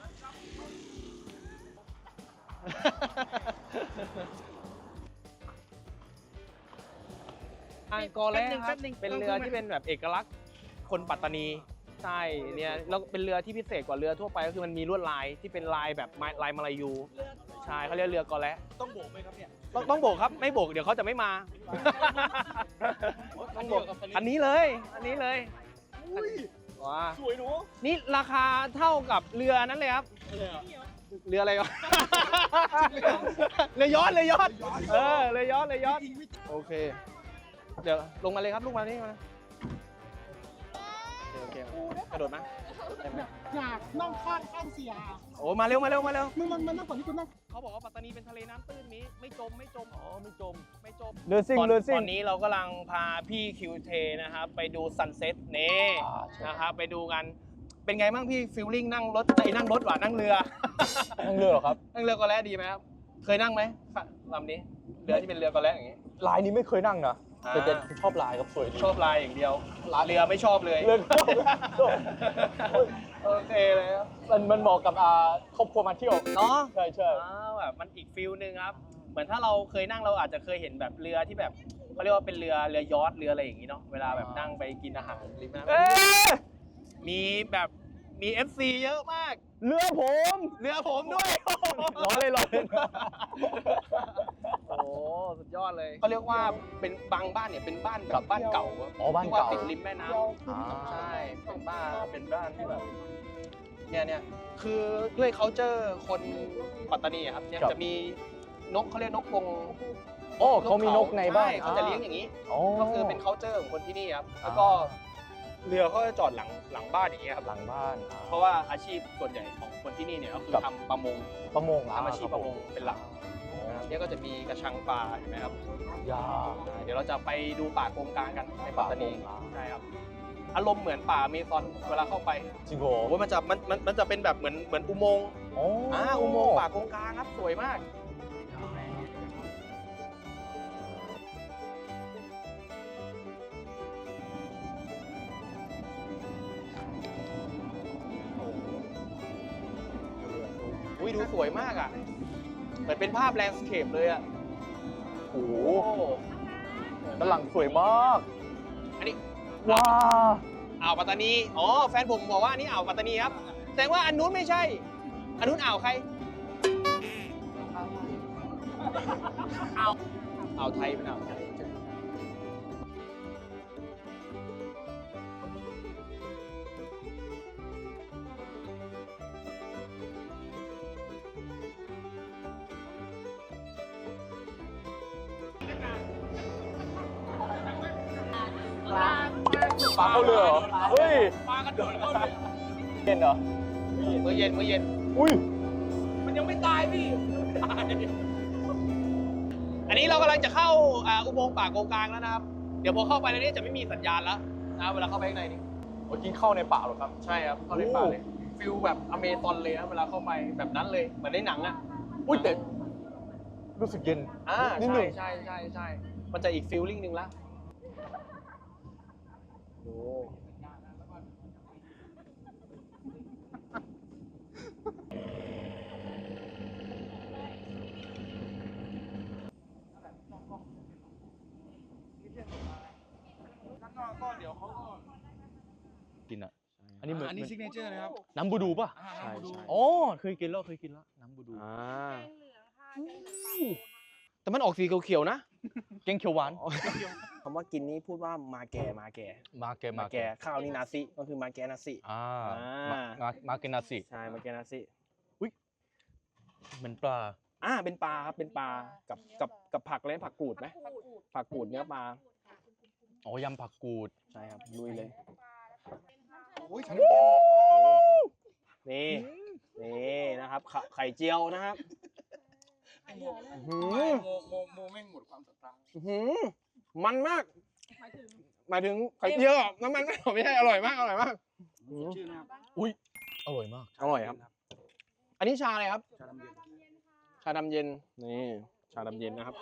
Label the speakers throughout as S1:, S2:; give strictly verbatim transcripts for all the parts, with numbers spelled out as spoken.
S1: อังกอร์แร่ครับเป็นเรือที่เป็นแบบเอกลักษณ์คนปัตตานีใช่เนี่ยแล้วเป็นเรือที่พิเศษกว่าเรือทั่วไปก็คือมันมีลวดลายที่เป็นลายแบบลายมาลายูใช่เขาเรียกเรือกอแร่ต้องโบกไหมครับเนี่ยต้องต้องโบกครับไม่โบกเดี๋ยวเขาจะไม่มาต้องโบกอันนี้เลยอันนี้เลยว้าสวยหนูนี่ราคาเท่ากับเรือนั้นเลยครับเรืออะไรวะเรือยอชต์เรือยอชต์เออเรือยอชต์เรือยอชต์โอเคเดี๋ยวลงมาเลยครับลูกมานี่มาโอเคกระโดดมา
S2: อยากนั่งข้างข้างเสีย
S1: โอ้มาเร็วมาเร็วมาเร็ว
S2: มึงมันมันนั่งก่อนที่คุณนั่ง
S1: เขาบอกว่าปัตตานีเป็นทะเลน้ำตื้นนี้ไม่จมไม่จมอ๋อไม่จมไม่จม
S3: เรือซิ่งเรือซิ่ง
S1: ตอนนี้เรากำลังพาพี่คิวเทนะครับไปดูซันเซ็ตนี่นะครับไปดูกันเป็นไงบ้างพี่ฟิลลิ่งนั่งรถไอ้นั่งรถว่ะนั่งเรือ
S3: นั่งเรือเหรอครับ
S1: นั่งเรือกอแร่ดีไหมครับเคยนั่งไหมลำนี้เรือที่เป็นเรือกอแร่อย่างนี้
S3: ลายนี้ไม่เคยนั่งนะแต่จะชอบลายครับสวยดี
S1: ชอบลายอย่างเดียวเรือไม่ชอบเลย
S3: เรือ
S1: โอเคเลยครับ
S3: มันมันเหมาะกับอ่าครอบครัวมาเที่ยว
S1: เนาะ
S3: ใช่ใช่
S1: แบบมันอีกฟิลนึงครับเหมือนถ้าเราเคยนั่งเราอาจจะเคยเห็นแบบเรือที่แบบเขาเรียกว่าเป็นเรือเรือยอชต์เรืออะไรอย่างนี้เนาะเวลาแบบนั่งไปกินอาหารริมน้ำมีแบบมี เอฟ ซี เยอะมาก
S3: เรือผม
S1: เรือผมด้วย
S3: ร้อนเลยร้อนเลย
S1: โอ้สุดยอดเลยเขาเรียกว่าเป็นบางบ้านเนี่ยเป็นบ้านแบบบ้านเก่า
S3: อ๋อบ้านเก่า
S1: ติดริมแม่น้ำใช่เป็นบ้านเป็นบ้านที่แบบเนี่ยเนี่ยคือด้วย culture คนปัตตานีครับเนี่ยจะมีนกเขาเรียกนกพง
S3: โอ้เขามีนกในบ้าน
S1: เขาจะเลี้ยงอย่างนี้ก็คือเป็น culture ของคนที่นี่ครับแล้วก็เรือเขาจะจอดหลังหลังบ้านอย่างเงี้ยครับ
S3: หลังบ้าน
S1: เพราะว่าอาชีพส่วนใหญ่ของคนที่นี่เนี่ยก็คือทำประมง
S3: ประมง
S1: ทำอาชีพประมงเป็นหลักเนี่ยก็จะมีกระชังปลาเห็นไหมครับ
S3: ยา
S1: เดี๋ยวเราจะไปดูป่าโกงกลางกันในปัตตานีใช่ครับอารมณ์เหมือนป่าเมซอนเวลาเข้าไป
S3: จริงโห
S1: ว่ามันจะมันมันมันจะเป็นแบบเหมือนเหมือนอุโมงค์อ่าอุโมงค์ป่าโกงกลางครับสวยมากอุ้ยดูสวยมากอ่ะเหมือนเป็นภาพแลนด์สเคปเลยอ่ะ
S3: โอ้โหด้านหลังสวยมาก
S1: อันนี้
S3: ว้า
S1: อ่าวปัตตานีอ๋อแฟนผมบอกว่าอันนี้อ่าวปัตตานีครับแสดงว่าอันนู้นไม่ใช่อันนู้นอ่าวใครอ่าวอ่าวไทยเป็นอ่าวไทย
S3: ปลาเข้าเรือเหรอเฮ้ย
S1: ปลากระโดดเข้าเรือ
S3: เย็นเหรอ
S1: เมื่อเย็นเมื่อเย็น
S3: อุ้ย
S1: มันยังไม่ตายพี่อันนี้เรากำลังจะเข้าอุโมงค์ป่าโกงกลางแล้วนะครับเดี๋ยวพอเข้าไปในนี้จะไม่มีสัญญาณแล้วนะเวลาเข้าไปข้างในนี้
S3: โอ้ยกินเข้าในป่าหรอครับ
S1: ใช่ครับเข้าในป่าเลยฟิลแบบอเมซอนเลยนะเวลาเข้าไปแบบนั้นเลยเหมือนในหนังอ่ะ
S3: อุ้ยแต่รู้สึกเย็น
S1: อ่าใช่ใช่ใช่ใช่มันจะอีกฟิลลิ่งนึงละโอ้ก็เดี๋ยวเขาก็
S3: กินอ่ะอันนี้เหมือน
S1: อันนี้ซิกเนเจอร์นะครับ
S3: น้ำบูดูป่ะ
S1: ใช่ใช่
S3: อ๋อเคยกินแล้วเคยกินแล้วน้ำบูดู
S1: อ่าแต่มันออกสีเขียวๆนะ
S3: แกงเขียวหวาน
S1: คำว่ากินนี้พูดว่ามาแก่มาแก่
S3: มาแก
S1: มาแก่ข้าวนี่นาซิก็คือมาแก่นาซิ
S3: อ่ามามาแกนาซิ
S1: ใช่มาแก่นาซิ
S3: อุ้ยเหมือนปลา
S1: อ่าเป็นปลาครับเป็นปลากับกับกับผักอะไรผักกูดไหมผักกูดเนื้อปลา
S3: อ๋อยำผักกูด
S1: ใช่ครับลุยเลย
S3: นี่
S1: นี่นะครับไข่เจียวนะครับ
S4: โมโมโมโมแม่งหมดความศรัทธา
S1: มันมากหมายถึงไข่เจียวน้ำมันไม่ไม่ใช่อร่อยมากอร่อยมาก
S4: ชื่อนะครับ
S3: อุ้ยอร่อยมาก
S1: อร่อยครับอันนี้ชาอะไรครับชาดำเย็นนี่ชาดำเย็นนะครับ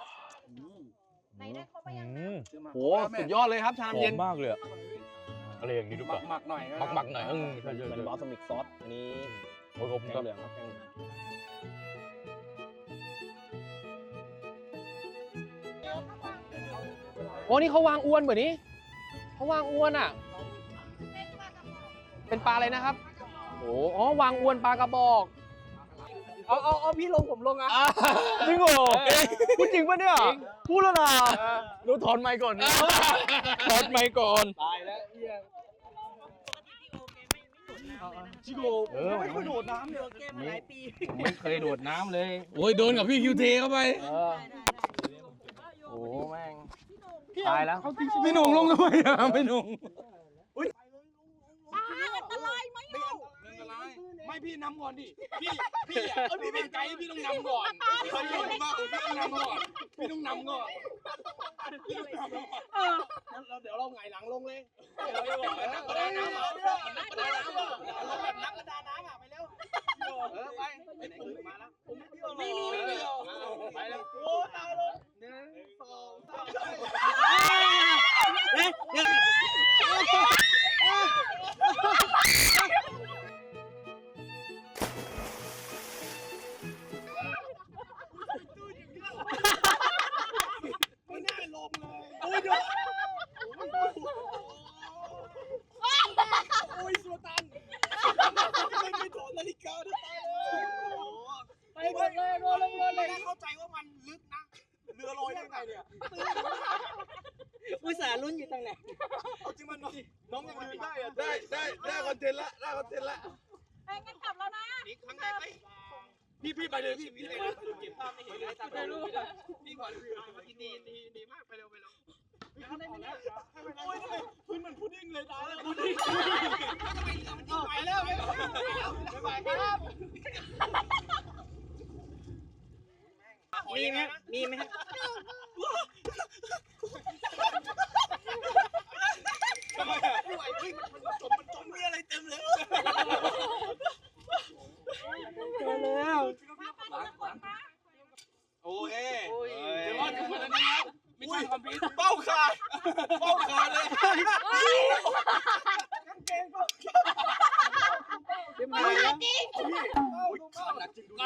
S1: โหสุดยอดเลยครับชาดำเย็น
S3: มากเลยอะไรอย่างนี้ดูป่ะ
S4: หมักหน่อย
S3: หมักหมักหน่อยเออ
S1: เป็นบอสมิกซอสอันนี้ผ
S3: อ้ยผม
S1: แก
S3: ก็
S1: งเหลืองครับแกงเหลืองโอ้นี่เขาวางอวนเหมือนนี้เขาวางอวนอ่ะ เป็นปลาอะไรนะครับโอ้อ๋อวางอวนปลากระบอกเอาเอาเอาพี่ลงผมลงอ่ะ
S3: จริงเหรอพูดจริงปะเนี่ยพูดแล้วนะรู้ถอนไมค์ก่อนถอนไมค์ก่อน
S1: ตายแล้วเฮีย
S3: จิโก้ไม่เคยโดดน้ำเลย
S1: ผมไม่เคยโดดน้ำเลย
S4: โอ้ยโดนกับพี่คิวเทเข้าไป
S1: เออโอ้แม่ง ตายแล้ว
S2: เอาจริงๆ
S4: ไม่หนุ่งลงทำไมอ่ะไม่หนุ่ง
S5: อันตรายไหมเล่า
S4: ไม่พี่นำก่อนดิพี่พี่อ่ะพี่เป็นไกด์พี่ต้องนำก่อนพี่เคยอยู่ที่บ้านพี่ต้องนำก่อนพี่ต้องนำก่อน
S5: เออ
S1: เราเดี๋ยวเราไงหลังลงเลย
S4: นักประดาน้ำอ่ะนักประดาน้ำอ่ะลงแบบนักประดาน้ำอ่ะไปเร็ว
S1: เออไปไปไหนก็มาแล้ว
S5: ไม่มีไม่มี
S1: ไปแล้วโอ้ตายเลยหนึ่งสองสาม
S5: ไปหมดเลยโดนลงเลย
S4: เข้าใจว่ามันลึกนะเรือลอยได้ไงเนี่ย
S5: อุตส่าห์ลุ้นอยู่ตรงไหน
S4: เอาจริงมันน้องยังลืมได้อะได้ได้ได้คอนเทนต์ละได้คอนเทนต์ละ
S5: เอ้ยงั้นกลับแล้วนะ
S4: นี่ครั้งแรกไหมพี่พี่ไปเลยพี่พี่เลยเก็บภาพไม่เห็นเลยถ่ายรูปพี่ก่อนดีดีดีดีมากไปเร็วไปเร็วโอ้ยทำไมพื้นมันพุดดิ้งเลยตายแล้วพุดดิ้งไปแล้วไปแล้วไปแล้ว
S5: มีไหมมีไหม
S4: ทำไมอ่ะไม่ไหวเฮ้ยมันจมมันจมมีอะไรเต็มเลย
S5: แล้ว
S4: โอเคเดี๋ยวรอดถึงวันนี้ครับไม่ใช่ความผิดเป้าขาดเป้าขาดเลย
S5: มาจริง
S4: ขาดหนักจริงดู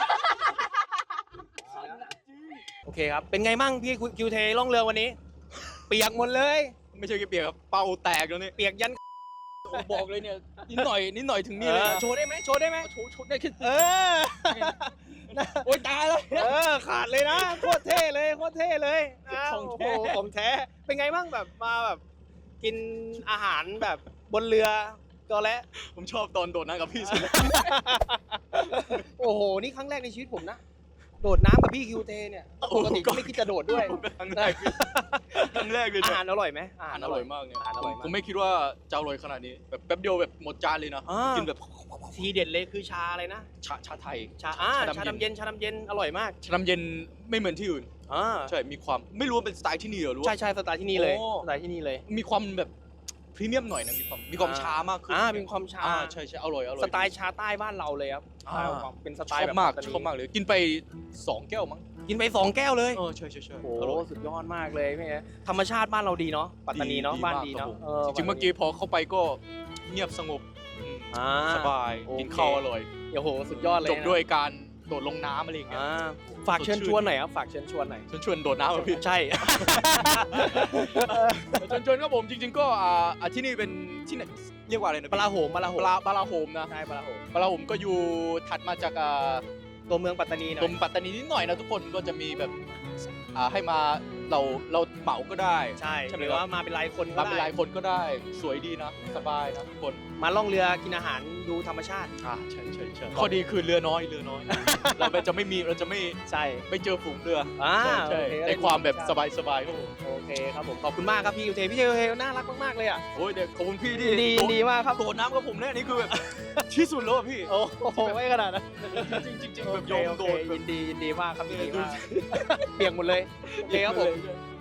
S1: โอเคครับ เป็นไงมั่งพี่คิวเทล่องเรือวันนี้ เปียกหมดเลย
S3: ไม่ใช่แค่เปียกครับเป่าแตกแล้วเนี่ย
S1: เปียกยัน
S3: บอกเลยเนี่ยนิดหน่อยนิดหน่อยถึงนี่
S1: เอ
S3: เลย
S1: อ
S3: นะ
S1: โชว์ได้ไหมโชว์ได้ไหม
S3: โชว์ชุดได้แค่
S1: เออ
S3: โอ้ยตายแล้ว
S1: เออขาดเลยนะโคตรเท่เลยโคตรเท่เลยนะ
S3: ของแท้
S1: โโหของแท้เป็นไงบ้างแบบมาแบบกินอาหารแบบบนเรือก็แล้ว
S3: ผมชอบตอนโดดน้ำกับพี่สุด
S1: โอ้โหนี่ครั้งแรกในชีวิตผมนะโดดน้ำกับพี่คิวเทเนี่ยปกติก็ไม่คิดจะโดดด้วย
S3: ครั้งแรกครั้งแรกเลย
S1: อา
S3: เนี่ย
S1: หารอร่อยไหม
S3: อาหารอร่อยมากเนี่ย
S1: อาหารอร่อยมาก
S3: ผมไม่คิดว่าจะอร่อยขนาดนี้แบบแป๊บเดียวแบบหมดจานเลยนะ
S1: อ่ากิ
S3: กินแบบ
S1: ทีเด็ดเลยคือชาอะไรนะ
S3: ชาชาไทย
S1: ชาอ่า
S3: ชา
S1: ชา
S3: ดำ
S1: ดำเย็นชาดำเย็นอร่อยมาก
S3: ชาน้ำเย็นไม่เหมือนที่อื่น
S1: อ่า
S3: ใช่มีความไม่รู้ว่าเป็นสไตล์ที่นี่เหรอรู้
S1: ใช่ใช่สไตล์ที่นี่เลย
S3: โอ้
S1: สไตล์ที่นี่เลย
S3: มีความแบบพรีเมียมหน่อยนะมีความมีความ
S1: อ่า
S3: ช้ามากขึ้น
S1: อ่ามีความชา
S3: อ่ใช่ใช่อร่อยอร่อย
S1: สไตล์ชาใต้บ้านเราเลยครับ
S3: อ่า
S1: เป็นส
S3: ช
S1: ไต
S3: อ
S1: ล์
S3: บ
S1: แบบ
S3: มาก
S1: ปัตตนี
S3: ชอบมากเลยกินไปสองแก้วมั้ง
S1: กินไปสองแก้วเลย
S3: เออใช่ใช่ใช่
S1: โอ้
S3: อร่
S1: โห
S3: อย
S1: สุดยอดมากเลยพี่ธรรมชาติบ้านเราดีเนาะปัตตานีเนาะบ้านดี
S3: ค
S1: เนาะ
S3: บผม
S1: เออ
S3: จริงๆเมื่อกี้พอเข้าไปก็เงียบสงบอืม
S1: อ่า
S3: สบาย
S1: โอเค
S3: กินข้าวอร่อย
S1: โอ้โหสุดยอดเลย
S3: จบด้วยการโดดลงน้ำอะไรอย่างเงี้ย
S1: อ่าฝากเชิญชวนหน่อยครับฝากเชิญชวนหน่อย
S3: ชวนชวนโดดน้ำอ่ะพี่
S1: ใช่
S3: ชวนชวนครับผมจริง ๆ ก็อ่าอ่าที่นี่เป็นที่ไหนเรียกว่าอะไรนะ
S1: ปลาโหมปลาโห
S3: ป
S1: ม
S3: ลาปลาโฮมนะ
S1: ใช่ปลาโหม
S3: ปลาโฮมก็อยู่ถัดมาจากอ่า
S1: ตัวเมืองปัตตานีหน่
S3: ตร
S1: อย
S3: งปัตตานีนิดหน่อยนะทุกคนก็จะมีแบบอ่าให้มาเราเราเหมาก็ได้
S1: ใช่
S3: ใช่ไห
S1: ห
S3: ม
S1: รือ
S3: ครับ
S1: ว่ามาเป็นรายคนก็
S3: มาเป็น
S1: ได้
S3: หลายคนก็ได้สวยดีนะสบายนะทุกคน
S1: มาล่องเรือกินอาหารดูธรรมชาติ
S3: อ่าใช่ใช่ใช่ข้อดีคือเรือน้อยเรือน้อย เราจะไม่มีเราจะไม่
S1: ใช่
S3: ไม่เจอฝูงเรือ
S1: อ่า
S3: ใช่ใช่
S1: โอเค
S3: ในความแบบสบายสบายๆครับผม
S1: โอเคครับผมขอบคุณมากครับพี่ยูเทพี่ยูเทน่ารักมากๆเลยอ่ะ
S3: โอ้ยเด็กขอบคุณพี่ที่
S1: ดีดีมากครับ
S3: โดดน้ำกับผมเนี่ยนี่คือแบบ ที่สุดแล้วอะพี่
S1: โอ้โหไม่ขนาดนั้น
S3: จริงๆจริงๆ
S1: โอ
S3: แบบ
S1: เค
S3: ยอม
S1: โอ
S3: โด
S1: เค
S3: ดแบบ
S1: ยินดียินดีมากครับยินดี
S3: ดู
S1: มากเปียกหมดเลยโอเคครับผม
S3: ใช่